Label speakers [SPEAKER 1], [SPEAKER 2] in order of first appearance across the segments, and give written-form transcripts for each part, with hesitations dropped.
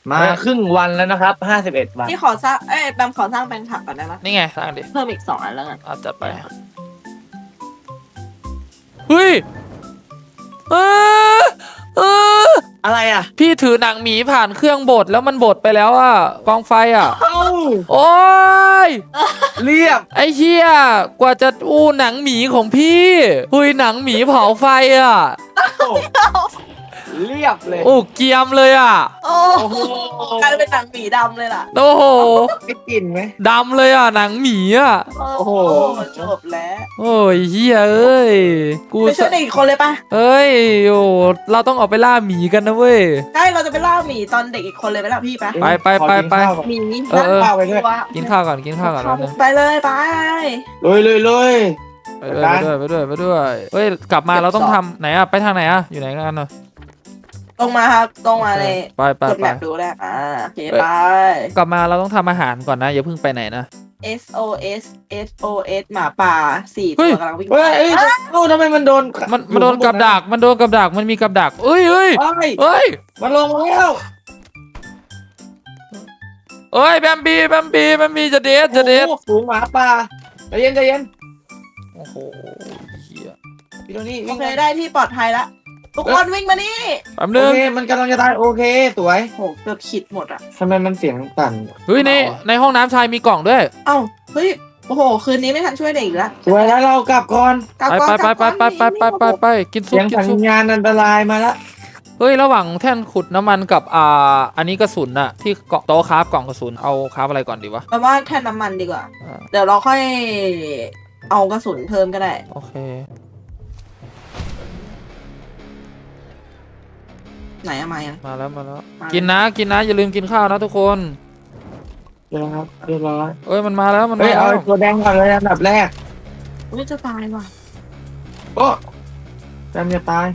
[SPEAKER 1] มาครึ่งวันแล้วนะครับ51 วัน
[SPEAKER 2] พี่ขอสร้างแบมขอสร้างแปลงผักก่อนได้ไหม
[SPEAKER 3] นี่ไงสร้างดิ
[SPEAKER 2] เพิ่มอีก2 อันแล้วกัน
[SPEAKER 3] เอาจัดไปเฮ้ยเออเออ
[SPEAKER 1] อะไรอ่ะ
[SPEAKER 3] พี่ถือหนังหมีผ่านเครื่องบดแล้วมันบดไปแล้วอ่ะกองไฟอ่ะ
[SPEAKER 1] เอ้า
[SPEAKER 3] โอ้ย
[SPEAKER 1] เรียบ
[SPEAKER 3] ไอ้เหี้ยกว่าจะอู้หนังหมีของพี่หุยหนังหมีเผาไฟอ่ะ
[SPEAKER 1] เรียบเลย
[SPEAKER 3] โอ้เกรียมเลยอ่ะ
[SPEAKER 2] โอ้
[SPEAKER 1] โอ้โห
[SPEAKER 2] กลายเป็นหนังหมีดำเลยล่ะ
[SPEAKER 3] โอ้โห
[SPEAKER 1] ไม่กินไหม
[SPEAKER 3] ดำเลยอ่ะหนังหมีอ่ะ
[SPEAKER 1] โอ้โห
[SPEAKER 2] จบแล้ว
[SPEAKER 3] โอ้ยเฮียเอ้ยกู
[SPEAKER 2] ไปช่วยเด็กอีกคนเลยปะ
[SPEAKER 3] เอ้ยโอ้เราต้องออกไปล่าหมีกันนะเว้ย
[SPEAKER 2] ใช่เราจะไปล่าหมีตอนเด็กอีกคนเลยไปล่ะพี่ปะ
[SPEAKER 3] ไปไปไปไป
[SPEAKER 2] หมี
[SPEAKER 3] เออ
[SPEAKER 1] ข้าวไปด้วย
[SPEAKER 3] กินข้าวก่อนกินข้าวก่อนแล้วนึง
[SPEAKER 2] ไปเลยไป
[SPEAKER 1] เลย
[SPEAKER 3] ไปด้วยไปด้วยไปด้วยเฮ้ยกลับมาเราต้องทำไหนอ่ะไปทางไหนอ่ะอยู่ไหนกันเนาะ
[SPEAKER 2] ตรงมาครับตรงมาเลย
[SPEAKER 3] ไปไป
[SPEAKER 2] กด
[SPEAKER 3] ไป
[SPEAKER 2] แมปดูแล้วโอเคไป
[SPEAKER 3] กลับมาเราต้องทำอาหารก่อนนะอย่าเพิ่งไปไหนนะ
[SPEAKER 2] SOS SOS หมาป่า4
[SPEAKER 3] เฮ้
[SPEAKER 2] ตั
[SPEAKER 3] ย
[SPEAKER 2] วกำลังวิ่ง
[SPEAKER 1] เฮ้ยเอ้ยเอ้าทำไมมันโดน
[SPEAKER 3] มันโดนกับดักมันโดนกับดักมันมีกับดักเอ้ยเอ้ย
[SPEAKER 1] เฮ้ย
[SPEAKER 3] เอ้ย
[SPEAKER 1] มันลงแล้ว
[SPEAKER 3] เอ้ยแบมบี้จะเดทจะเดท
[SPEAKER 1] โอ้โหฝูงหมาป่าใจเย็นใจเย็น
[SPEAKER 3] โอ้โหเหี้ย
[SPEAKER 1] พี่โทนี่
[SPEAKER 2] โอ
[SPEAKER 1] วิ่ง
[SPEAKER 2] เคได้ที่ปลอดภัยแล้วทุกคนวิ่งมานี่
[SPEAKER 3] แป๊บ
[SPEAKER 1] โอ
[SPEAKER 3] นึง
[SPEAKER 1] เคมันกำลังจะตายโอเคสวย
[SPEAKER 2] โหเกือบขิดหมดอ่ะ
[SPEAKER 1] ทำไมมันเสียงสั่น
[SPEAKER 3] เฮ้ยในห้องน้ำชายมีกล่องด้วย
[SPEAKER 2] เอ้าเฮ้ยโอ้โหคืนนี้ไม่ทันช่วยเด็กอีกแล้ว
[SPEAKER 1] สวยแล้วเรากลับก่อน
[SPEAKER 2] กลับ
[SPEAKER 3] ไป
[SPEAKER 2] ก่อน
[SPEAKER 3] ไป
[SPEAKER 2] กลับ
[SPEAKER 3] ไป
[SPEAKER 2] ก่อน
[SPEAKER 3] ไปกินซุ
[SPEAKER 1] เสี
[SPEAKER 3] ป
[SPEAKER 1] ยง
[SPEAKER 3] กิน
[SPEAKER 1] สัญ
[SPEAKER 3] ซุป
[SPEAKER 1] ญาณอันตรายมาแล้ว
[SPEAKER 3] เฮ้ยระหว่างแท่นขุดน้ำมันกับอันนี้กระสุนอะที่เกาะโต๊ะคราฟกล่องกระสุนเอาคราฟอะไรก่อนดีวะ
[SPEAKER 2] แปลว่าแท่นน้ำมันดีกว่า
[SPEAKER 3] อ่า
[SPEAKER 2] เดี๋ยวเราค่อยเอากระสุนเพิ่มก็ได้
[SPEAKER 3] โอเค
[SPEAKER 2] ไหนอะมายัง
[SPEAKER 3] มาแล้วมาแล้ว
[SPEAKER 2] มา
[SPEAKER 3] กินนะอย่าลืมกินข้าวนะทุกคน
[SPEAKER 1] เดี๋ยวนะครับเรียบร้อย
[SPEAKER 3] เอ้ยมันมาแล้วมัน
[SPEAKER 1] เฮ้
[SPEAKER 3] มาย
[SPEAKER 1] เอา
[SPEAKER 3] แล้ว
[SPEAKER 1] ตัวแดงก่อนเลยอันดับแรก
[SPEAKER 2] อุ้ยจะตายว่ะ
[SPEAKER 1] โอ้แซมจะตาย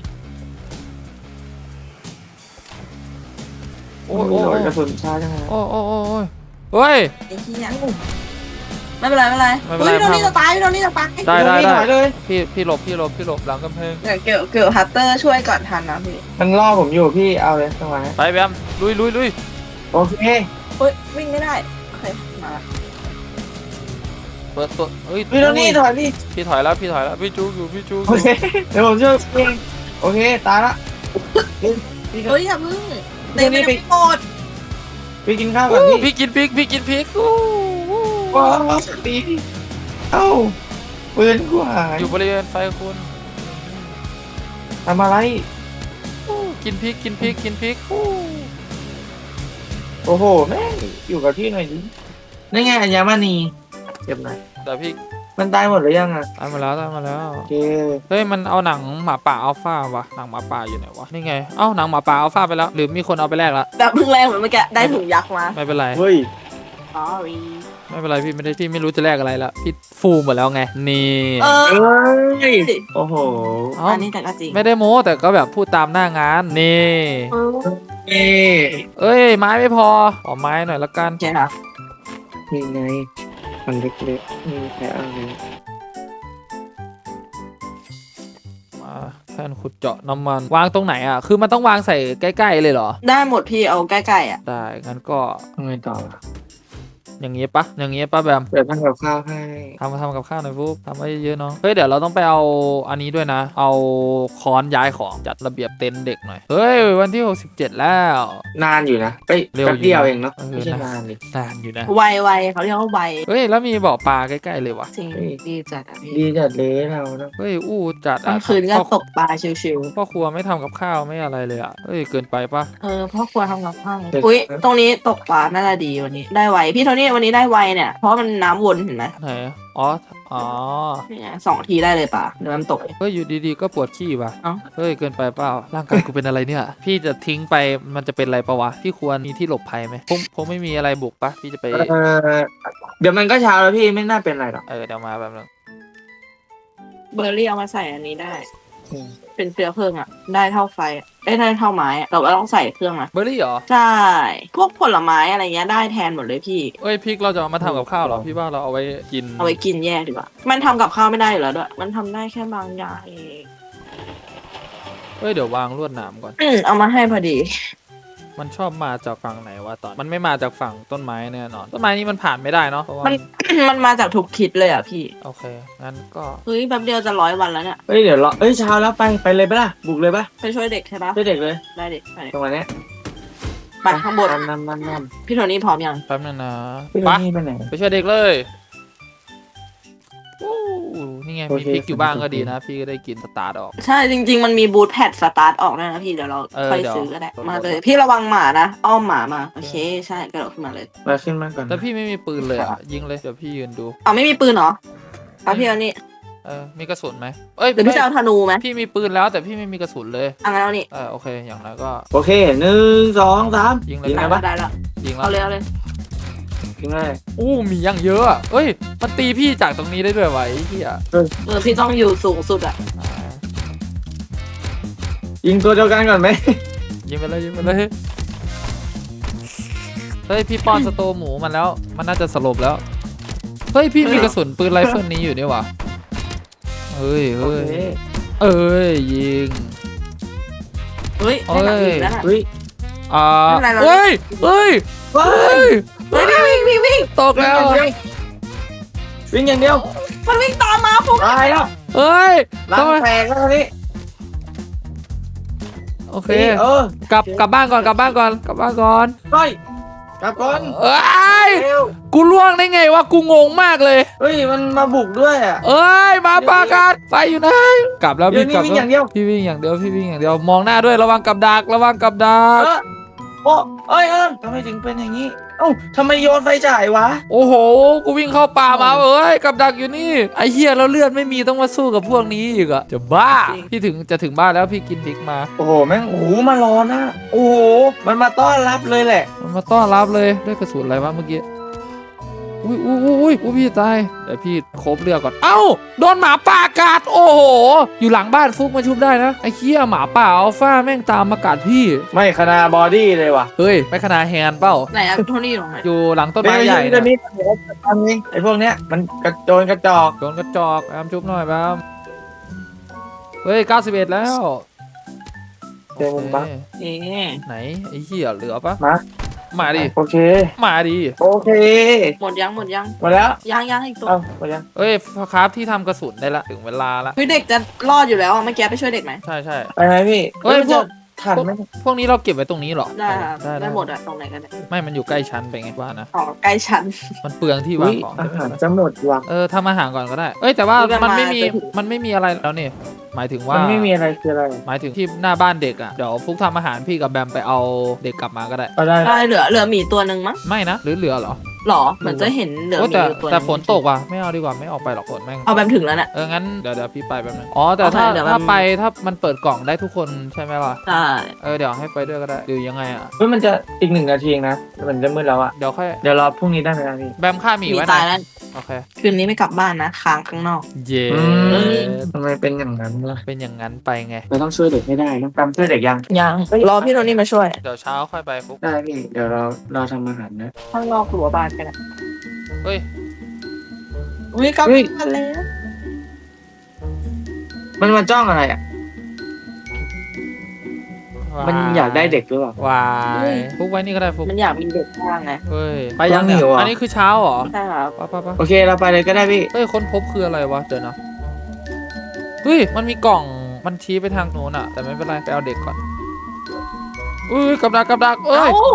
[SPEAKER 3] โอ้
[SPEAKER 1] โอ้
[SPEAKER 3] ย
[SPEAKER 1] โห
[SPEAKER 3] โอ้ย
[SPEAKER 1] กระสุนช้าจังเลย
[SPEAKER 3] โอ้ยเฮ้ย
[SPEAKER 2] ไอ้เหี้ยไม่เป็นไรไม่เป็นไร
[SPEAKER 3] ไม่เป็นไร
[SPEAKER 2] อุ้ยโดนนี่จะตายโดนนี่จะตาย
[SPEAKER 3] ได้
[SPEAKER 1] พี่ถอยเลย
[SPEAKER 3] พี่หลบหลังกำแพง
[SPEAKER 2] เดี๋ยวเกี่ยวฮัตเตอร์ช่วยก่อนทันนะพี่
[SPEAKER 1] มันล่อผมอยู่พี่เอาเลยจังหวะนี้
[SPEAKER 3] ไปแบมลุย
[SPEAKER 1] โอเค
[SPEAKER 2] เฮ้ยวิ่งไม่ได้โอเคมา
[SPEAKER 3] เปิดตัวเฮ้ย
[SPEAKER 1] พี่โทนี่ถอยพี่
[SPEAKER 3] พี่ถอยแล้วพี่จูอยู่พี่จู
[SPEAKER 1] โอเคเดี๋ยวผมช่วยเองโอเคตายละพี่
[SPEAKER 2] เฮ้ยอย่าพึ่งเดี๋ยวไม่หมด
[SPEAKER 1] พี่กินข้าวก่อนพี่
[SPEAKER 3] พี่กินพริกอู้
[SPEAKER 1] ว้าวตีเอ้าปืนกูหาย
[SPEAKER 3] อยู่บริเวณไฟคุณ
[SPEAKER 1] ทำอะไร
[SPEAKER 3] กินพริกอู้
[SPEAKER 1] โอ้โหแม่งอยู่กับที่หน่อยดินั่นไงอัญมณีเก็บหน่อย
[SPEAKER 3] แต่พี่
[SPEAKER 1] มันตายหมดหรือยังอ่ะ
[SPEAKER 3] ตายมาแล้ว
[SPEAKER 1] โอเค
[SPEAKER 3] เฮ้ยมันเอาหนังหมาป่าอัลฟาวะหนังหมาป่าอยู่ไหนวะนี่ไงเอ้าหนังหมาป่าอัลฟาไปแล้วหรือมีคนเอาไปแลกละ
[SPEAKER 2] แบบพึ่งแรงเหมือนเมื่อกี้ได้ถุงยักษ์มา
[SPEAKER 3] ไม่เป็นไร
[SPEAKER 1] เฮ้ย
[SPEAKER 2] sorry
[SPEAKER 3] ไม่เป็นไรพี่ไม่รู้จะแลกอะไรละพี่ฟูหมดแล้วไงนี่
[SPEAKER 2] เออ
[SPEAKER 1] เอ้ยโอ้โห
[SPEAKER 3] เอ้า
[SPEAKER 2] อันนี้แต่ก็จริง
[SPEAKER 3] ไม่ได้โม้แต่ก็แบบพูดตามหน้างานนี่
[SPEAKER 2] เออ
[SPEAKER 1] เอ้
[SPEAKER 3] เอ้ยไม้ไม่พอขอไม้หน่อยละกัน
[SPEAKER 2] โอเคครับ
[SPEAKER 1] นี่ไงมันเล็กๆนี่แค่อะไร
[SPEAKER 3] มาแท่นขุดเจาะน้ำมันวางตรงไหนอ่ะคือมันต้องวางใส่ใกล้ๆเลยเหรอ
[SPEAKER 2] ได้หมดพี่เอาใกล้ๆอ่ะ
[SPEAKER 3] ได้งั้นก็
[SPEAKER 1] ทำไงต่อล่ะ
[SPEAKER 3] อย่างงี้ปะแบม
[SPEAKER 1] เดี๋ยวทำกับข้าวให้
[SPEAKER 3] ทำกับข้าวหน่อยปุ๊บทำไว้เยอะๆเนาะเฮ้ยเดี๋ยวเราต้องไปเอาอันนี้ด้วยนะ เอาค้อนย้ายของจัดระเบียบเต็นท์เด็กหน่อยเฮ้ยวันที่67แล้ว
[SPEAKER 1] นานอยู่นะเอ้ย
[SPEAKER 3] เร็วอยู่
[SPEAKER 1] แป๊บเดียวเองเนาะ
[SPEAKER 3] เออ
[SPEAKER 1] ไม่ใช่นานดิ
[SPEAKER 3] นานอยู่นะ
[SPEAKER 2] ไวๆเขาเรียกว่าไว
[SPEAKER 3] เฮ้ยแล้วมีบ่อปลาใกล้ๆเลยวะ
[SPEAKER 2] จริงดีจัดอ่ะพี่
[SPEAKER 1] ดีจัดเลยเราเนาะ
[SPEAKER 3] เฮ้ยอู้จัด
[SPEAKER 2] กลางคืนก็ตกปลาชิว
[SPEAKER 3] พ่อครัวไม่ทำกับข้าวไม่อะไรเลยอ่ะเฮ้ยเกินไปปะ
[SPEAKER 2] ๆพ่อครัวทำกับข้าวอุ้ยตรงนี้ตกปลาน่าจะดีวันนี้ได้ไวพี่โทนี่วันนี้ได้ไวเนี่ยเพราะมันน้ำวนเห็นไหม
[SPEAKER 3] ไหนอ๋อ
[SPEAKER 2] นี่ไง2 ทีได้เลยป่ะเดี๋ยวมันตก
[SPEAKER 3] เฮ้ยอยู่ดีๆก็ปวดขี้ว่ะ
[SPEAKER 2] เอ้า
[SPEAKER 3] เฮ้ยเกินไปเปล่าร่างกายกูเป็นอะไรเนี่ย พี่จะทิ้งไปมันจะเป็นอะไรปะวะพี่ควรมีที่หลบภัยไหมคงไม่มีอะไรบุกปะพี่จะไป
[SPEAKER 1] เดี๋ยวมันก็เช้าแล้วพี่ไม่น่าเป็นไรหรอก
[SPEAKER 3] เดี๋ยวมาแบบนึง
[SPEAKER 2] เบอร์รี่เอามาใส่อันนี้ได้ เป็นเชื้อเพลิงอ่ะ ได้เท่าไฟอะได้เท่าไม้อะแต่ว่าต้องใส่เครื่องนะ
[SPEAKER 3] เบอร์รี่เหรอ
[SPEAKER 2] ใช่ พวกผลไม้อะไรเงี้ยได้แทนหมดเลยพี่
[SPEAKER 3] เอ้ยพริกเราจะเอามาทำกับข้าวเหรอพี่ว่าเราเอาไว้กิน
[SPEAKER 2] เอาไว้กินแยกดีกว่า มันทำกับข้าวไม่ได้อยู่แล้วด้วย มันทำได้แค่บางอย่างเอง
[SPEAKER 3] เฮ้ยเดี๋ยววางลวดหนามก่อน
[SPEAKER 2] เอามาให้พอดี
[SPEAKER 3] มันชอบมาจากฝั่งไหนวะตอนมันไม่มาจากฝั่งต้นไม้แน่นอนต้นไม้นี้มันผ่านไม่ได้เนาะเพราะว่า
[SPEAKER 2] มัน มันมาจากทุกทิศเลยอ่ะพี่
[SPEAKER 3] โอเคงั้นก็
[SPEAKER 2] เฮ้ยแป๊บเดียวจะ100 วันแล้วเนี่ย
[SPEAKER 1] เฮ้ยเดี๋ยวรอเอ้ยเช้าแล้วไปเลยปะล่ะบุกเลยปะ
[SPEAKER 2] ไปช่วยเด็กใช่ปะ
[SPEAKER 1] ช่วยเด็กเลย
[SPEAKER 2] ได้เด็กไป
[SPEAKER 1] ตรงวันเนี้ย
[SPEAKER 2] ไปข้างบน
[SPEAKER 1] นำ
[SPEAKER 2] พี่โทนี่พร้อมยัง
[SPEAKER 3] แป๊บนึงนะ
[SPEAKER 1] พี่
[SPEAKER 3] ไป
[SPEAKER 1] นี่ไปไหน
[SPEAKER 3] ไปช่วยเด็กเลยอู้นี่ไง
[SPEAKER 1] โอ
[SPEAKER 3] มี
[SPEAKER 1] เค
[SPEAKER 3] พริกอยู่บ้างก็
[SPEAKER 1] โอเค
[SPEAKER 3] ดีนะ พี่ก็ได้กินสตาร์ทออก
[SPEAKER 2] ใช่จริง ๆ มันมีบูทแพดสตาร์ทออกด้วยนะพี่เดี๋ยวเรา ค่อย
[SPEAKER 3] เดี๋ยว
[SPEAKER 2] ซื้อก็ได้
[SPEAKER 3] เดี๋ยว
[SPEAKER 2] มาเลย พี่ระวังหมานะอ้อมหมามาโอเคใช่กระโดดขึ้นมาเลย
[SPEAKER 1] มาขึ้นมาก่อน
[SPEAKER 3] แต่พี่ไม่มีปืนเลยอ่ะยิงเลยเดี๋ยวพี่ยืนดู
[SPEAKER 2] เอาไม่มีปืนเหรอเอาพี่เอานี่
[SPEAKER 3] มีกระสุนไหมเอ้ย
[SPEAKER 2] เดี๋ยวพี่จะเอาธนูไหม
[SPEAKER 3] พี่มีปืนแล้วแต่พี่ไม่มีกระสุนเลย
[SPEAKER 2] เอางั้นเอานี่
[SPEAKER 3] โอเคอย่างนั้นก็
[SPEAKER 1] โอเค1 2 3
[SPEAKER 3] ยิงเลย
[SPEAKER 1] ยิง
[SPEAKER 2] ได้
[SPEAKER 1] ไง
[SPEAKER 2] ละ
[SPEAKER 1] ปะ
[SPEAKER 2] ได้ละ
[SPEAKER 3] ยิงแล้
[SPEAKER 2] เอา
[SPEAKER 3] ว
[SPEAKER 2] เลยเอาเลย
[SPEAKER 1] ยิงเลย
[SPEAKER 3] อู้มียังเยอะอะเอ้ยมันตีพี่จากตรงนี้ได้ด้วยวะไอ้เหี้ย
[SPEAKER 2] พี่ต้องอยู่สูงสุดอ่ะ
[SPEAKER 3] อ่า
[SPEAKER 1] ยิงตัวเดียวกันก่อนไหม
[SPEAKER 3] ยิงไปเลยยิงไปเลยเฮ้ยพี่ป้อนสโตหมูมันแล้วมันน่าจะสลบแล้วเฮ้ยพี่มีกระสุนปืนไรเฟิลนี้อยู่นี่หวะเฮ้ย
[SPEAKER 1] โอ
[SPEAKER 3] เฮ้ย
[SPEAKER 1] เค
[SPEAKER 3] เอ้ยยิง
[SPEAKER 2] เฮ้ยได้หนังอีกแล้วน่ะ
[SPEAKER 1] เฮ้ย
[SPEAKER 2] ไม่เป็นไรเรา
[SPEAKER 3] เฮ้ยเฮ้ย
[SPEAKER 1] ว้า
[SPEAKER 3] เฮ้
[SPEAKER 1] ย
[SPEAKER 3] ย
[SPEAKER 2] เฮ้ยวิ่ง
[SPEAKER 3] ตกแล้ว
[SPEAKER 1] วิ่งอย่างเดียว
[SPEAKER 2] มันวิ่งตามมาฟุก
[SPEAKER 1] ตายแล้ว
[SPEAKER 3] เฮ้ย
[SPEAKER 1] ล้างแตกแล้วทีนี้
[SPEAKER 3] โอเค
[SPEAKER 1] ก
[SPEAKER 3] กลับบ้านก่อนกลับบ้านก่อนกลับบ้านก่อน
[SPEAKER 1] ไปกลับก่อน
[SPEAKER 3] เอ้ย
[SPEAKER 1] เร็ว
[SPEAKER 3] กูล่วงได้ไงวะกูงงมากเลย
[SPEAKER 1] เฮ้ยมันมาบุกด้วยอ่ะ
[SPEAKER 3] เอ้ยมาปากันไฟอยู่ไหนกลับแล้ว
[SPEAKER 1] เดี๋ย
[SPEAKER 3] พี่
[SPEAKER 1] วนี้
[SPEAKER 3] กลับ
[SPEAKER 1] วิ่งอย่างเดียว
[SPEAKER 3] พี่วิ่งอย่างเดียวพี่วิ่งอย่างเดียวมองหน้าด้วยระวังกับดักระวังกับดัก
[SPEAKER 1] โอ้เอ้ยทำไมถึงเป็นอย่างนี้เอ้าทำไมโยนไฟฉายวะ
[SPEAKER 3] โอ้โหกูวิ่งเข้าป่ามาเอ้ยกับดักอยู่นี่ไอ้เหี้ยแล้วเลือดไม่มีต้องมาสู้กับพวกนี้อีกอะจะบ้าพี่จะถึงบ้านแล้วพี่กินพริกมา
[SPEAKER 1] โอ้โหแม่งโอ้โหมารอนะโอ้โหมันมาต้อนรับเลยแหละ
[SPEAKER 3] มันมาต้อนรับเลยด้วยกระสุนอะไรวะเมื่อกี้อุ้ยพี่ตายเดี๋ยวพี่ครบเลือดก่อนเอ้าโดนหมาป่ากัดโอ้โหอยู่หลังบ้านฟุกมาชุบได้นะไอ้เหี้ยหมาป่าอัลฟาแม่งตามมากัดพี่
[SPEAKER 1] ไม่ขนาบอดี้เลยว่ะ
[SPEAKER 3] เฮ้ยไม่ขนาดแฮนด์เปล่า
[SPEAKER 2] ไหนอะโทนี่อยู่ตรงไหน
[SPEAKER 3] อยู่หลังต้นไม้ใหญ่
[SPEAKER 1] เดี๋ยว
[SPEAKER 3] นะ
[SPEAKER 1] นี้เดี๋ยวจะทำเองไอ้พวกเนี้ยมันกระโจนกระจอก
[SPEAKER 3] โดนกระจอกแอมชุบหน่อยแบมเฮ้ย91แล้ว
[SPEAKER 1] เจอมุมบัก
[SPEAKER 3] โอเค
[SPEAKER 2] เอ๊ะ
[SPEAKER 3] ไหนไอ้เหี้ยเหลือปะ
[SPEAKER 1] มา
[SPEAKER 3] ดิ
[SPEAKER 1] โอเค
[SPEAKER 3] มาดิ
[SPEAKER 1] โอเค
[SPEAKER 2] หมดยัง
[SPEAKER 1] หมดแล้ว
[SPEAKER 2] ยังอีกตัว
[SPEAKER 1] เอ้าหมดยัง
[SPEAKER 3] เอ้ยครับที่ทำกระสุนได้ละถึงเวลาละ
[SPEAKER 2] เฮ้ยเด็กจะรอดอยู่แล้วอะเมื่อกี้ไปช่วยเด็กไหม
[SPEAKER 3] ใช่
[SPEAKER 1] ไปไหมพี่
[SPEAKER 3] เฮ้ย
[SPEAKER 1] มันจะทันไหม
[SPEAKER 3] พวกนี้เราเก็บไว้ตรงนี้เหรอ
[SPEAKER 2] ได้ครับได้หมดอะตรงไหนก็ได้
[SPEAKER 3] ไม่มันอยู่ใกล้ชั้นไปไงว่านะ
[SPEAKER 2] อ๋อใกล้ชั้น
[SPEAKER 3] มันเปลืองที่วา
[SPEAKER 1] อุ้
[SPEAKER 3] ง
[SPEAKER 1] ย
[SPEAKER 3] ของ
[SPEAKER 1] อาหารจะหมดว่ะ
[SPEAKER 3] ทำอาหารก่อนก็ได้เอ้ยแต่ว่า
[SPEAKER 2] นี่ก็
[SPEAKER 3] มันไม่มี
[SPEAKER 2] มาจะถึง
[SPEAKER 3] มันไม่มีอะไรแล้วนี่หมายถึงว่า
[SPEAKER 1] มันไม่มีอะไรคืออะไร
[SPEAKER 3] หมายถึงที่หน้าบ้านเด็กอ่ะเดี๋ยวฟุกทำอาหารพี่กับแบมไปเอาเด็กกลับมาก็ได้
[SPEAKER 1] ก็ได้
[SPEAKER 2] ได้เหลือหมีตัวหนึ่งมั้ง
[SPEAKER 3] ไม่นะหรือเหลือเหรอ
[SPEAKER 2] หรอเหมือนจะเห็นเหลือห
[SPEAKER 3] โอ้
[SPEAKER 2] มี
[SPEAKER 3] แต่
[SPEAKER 2] อยู่ตัวห
[SPEAKER 3] แต่
[SPEAKER 2] ง
[SPEAKER 3] ฝนตกว่ะไม่เอาดีกว่าไม่ออกไปหรอกฝนแม่ง
[SPEAKER 2] เอาแบบถึงแล้วน่ะ
[SPEAKER 3] งั้นเดี๋ยวพี่ไปแป๊บนึงอ๋อแต่ถ้า
[SPEAKER 2] โอเคเดี๋ยว
[SPEAKER 3] ถ้า
[SPEAKER 2] มัน
[SPEAKER 3] ไปถ้ามันเปิดกล่องได้ทุกคนใช่ไหมล่ะ
[SPEAKER 2] ใช่
[SPEAKER 3] เดี๋ยวให้ไปด้วยก็ได้หรือยังไงอ่ะ
[SPEAKER 1] เฮ้ยมันจะอีก1 นาทีเองนะมันจะมืดแล้วอะ
[SPEAKER 3] เดี๋ยวค่อย
[SPEAKER 1] เดี๋ยวรอพรุ่งนี้ได้ไหมครับพี่
[SPEAKER 3] แบมฆ่าหมี
[SPEAKER 2] หมี
[SPEAKER 3] ไว้
[SPEAKER 2] ตาย
[SPEAKER 3] นะ
[SPEAKER 2] แล้ว
[SPEAKER 3] โอเค
[SPEAKER 2] คืนนี้ไม่กลับบ้านนะค้างข้างนอก
[SPEAKER 3] เย้
[SPEAKER 1] ทำไมเป็นอย่างนั้นล่ะ
[SPEAKER 3] เป็นอย่างนั้นไปไง
[SPEAKER 1] เราต้องช่วยเด็กไม่ได้ต้องตามช่วยเด็กยัง
[SPEAKER 2] ยังรอพี่โทนี่มาช่วย
[SPEAKER 3] เดี๋ยวเช้าค่อยไปฟุก
[SPEAKER 1] ได้พี่เดี๋ยวเราทำอาหารนะ
[SPEAKER 2] ข้างนอกรั้วบ้านกันนะ
[SPEAKER 3] เฮ้ย
[SPEAKER 2] อุ้ยกลับ
[SPEAKER 1] เฮ้ย
[SPEAKER 2] บ้านแล้ว
[SPEAKER 1] มันมาจ้องอะไรอ่ะมันอยากได้เด็กหรือเปล่า
[SPEAKER 3] วายฟุกไว้นี่ก็ได้ฟุก
[SPEAKER 2] มันอยากมีเด็กบ้างไง
[SPEAKER 3] เฮ้ยไปยังเนี่ย
[SPEAKER 1] หิวอ่ะ
[SPEAKER 3] อันนี้คือเช้าเหรอ
[SPEAKER 2] ใช่ครับ
[SPEAKER 3] ไป
[SPEAKER 1] โอเคเราไปเลยก็ได้พี่
[SPEAKER 3] เฮ้ยค้นพบคืออะไรวะเดี๋ยวนะเฮ้ยมันมีกล่องมันชี้ไปทางโน้นอะแต่ไม่เป็นไรไปเอาเด็กก่อนอุ้ยกับดักเอ้ย
[SPEAKER 2] เอ้า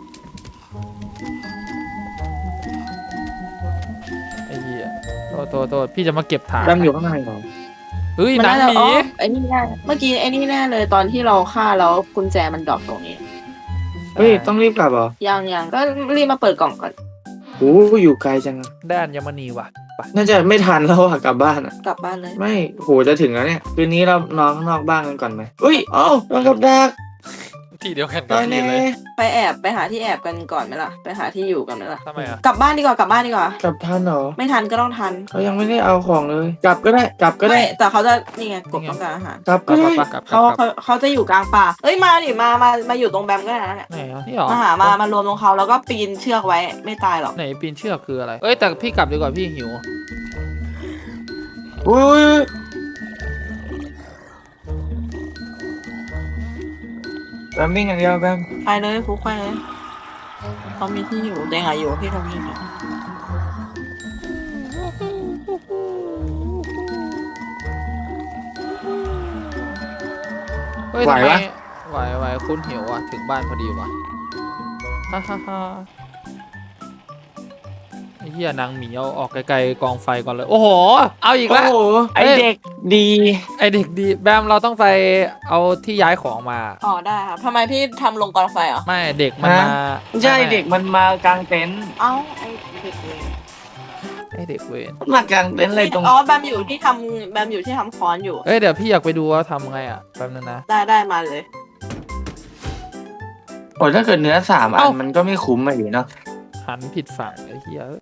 [SPEAKER 3] ไอ้เหี้ยโทษพี่จะมาเก็บถ่าน
[SPEAKER 1] ดำอยู่ข้างในเหรอ
[SPEAKER 3] เฮ้ย
[SPEAKER 2] มัน
[SPEAKER 3] หนัง
[SPEAKER 2] น่า
[SPEAKER 3] ห
[SPEAKER 2] จะ
[SPEAKER 3] มี
[SPEAKER 2] อ๋อไอ้นี่แน่เมื่อกี้ไอ้นี่แน่เลยตอนที่เราฆ่าแล้วกุญแจมันดรอปตรงนี้
[SPEAKER 1] เฮ้ยต้องรีบกลับเหรอ
[SPEAKER 2] ยังก็รีบมาเปิดกล่องก่อน
[SPEAKER 1] โอ้อยู่ไกลจังอะ
[SPEAKER 3] ด้านยมนีว่ะไป
[SPEAKER 1] น่าจะไม่ทันแล้วอะกลับบ้านอะ
[SPEAKER 2] กลับบ้านเลย
[SPEAKER 1] ไม่โหจะถึงแล้วเนี่ยคืนนี้เรานอนข้างนอกบ้านกันก่อนไหมอุ้ยเอ้านอนกับดัก
[SPEAKER 3] ที่เดียวกัน
[SPEAKER 1] ต
[SPEAKER 3] กับ
[SPEAKER 1] อน
[SPEAKER 3] พี่
[SPEAKER 1] นี้
[SPEAKER 3] เลย
[SPEAKER 2] ไปหาที่แอบกันก่อนไหมล่ะไปหาที่อยู่กันไหมล่ะ
[SPEAKER 3] ทำไมอะ
[SPEAKER 2] กลับบ้านดีกว่ากลับบ้านดีกว่า
[SPEAKER 1] กลับทันเหรอ
[SPEAKER 2] ไม่ทันก็ต้องทัน
[SPEAKER 1] เขายังไม่ได้เอาของเลย กลับก็ได้กลับก็ได้
[SPEAKER 2] ไม่แต่เขาจะนี่ไงกบต้องการอาหาร
[SPEAKER 1] กลับก็ได้
[SPEAKER 3] กลับ
[SPEAKER 2] เขาจะอยู่กลางป่าเอ้ยมาดิมาอยู่ตรงแบมก็ได้นะเนี่ย
[SPEAKER 3] ไหนอ่ะนี่เหรอ
[SPEAKER 2] มารวมตรงเขาแล้วก็ปีนเชือกไว้ไม่ตายหรอก
[SPEAKER 3] ไหนปีนเชือกคืออะไรเอ้ยแต่พี่กลับดีกว่าพี่หิว
[SPEAKER 1] อุ้ยแบมวิ่งอย่างเดียวแบม
[SPEAKER 2] ไปเลยฟุกไปเลยเขามีที่อยู่เดงอะอยู่ที่ตรงนี้เนี่ย
[SPEAKER 3] เฮ้ยทำไมไหวคุณหิวอ่ะถึงบ้านพอดีว่ะฮ่าฮ่าฮ่าไอ้เหี้ยนางหมีเอาออกไกลๆกองไฟก่อนเลยโอ้โหเอาอีก
[SPEAKER 1] โอ้
[SPEAKER 3] แล้ว
[SPEAKER 1] โหไอเด็กดี
[SPEAKER 3] ไอเด็กดีแบมเราต้องไปเอาที่ย้ายของมา
[SPEAKER 2] อ๋อได้ครับทำไมพี่ทำลงกองไฟเหรอ
[SPEAKER 3] ไม่เด็กมันมา
[SPEAKER 1] ไม่ใช่เด็กมันมากางเต็นท์
[SPEAKER 2] เอ้าไอ้เด็กเลย
[SPEAKER 3] ไอเด็กเวน
[SPEAKER 1] มากางเต็นท์อะไรตรง
[SPEAKER 2] อ๋อแบมอยู่ที่ทำแบมอยู่ที่ทำค้อนอยู่
[SPEAKER 3] เอ้ยเดี๋ยวพี่อยากไปดูว่าทำไงอ่ะแป๊บนึงนะ
[SPEAKER 2] ได้มาเลย
[SPEAKER 1] โอ้ยถ้าเกิดเนื้อ3 อั
[SPEAKER 3] เอ้า
[SPEAKER 1] นมันก็ไม่คุ้มอะอยู่เนาะ
[SPEAKER 3] หันผิดฝั่งไอ้เหี้ย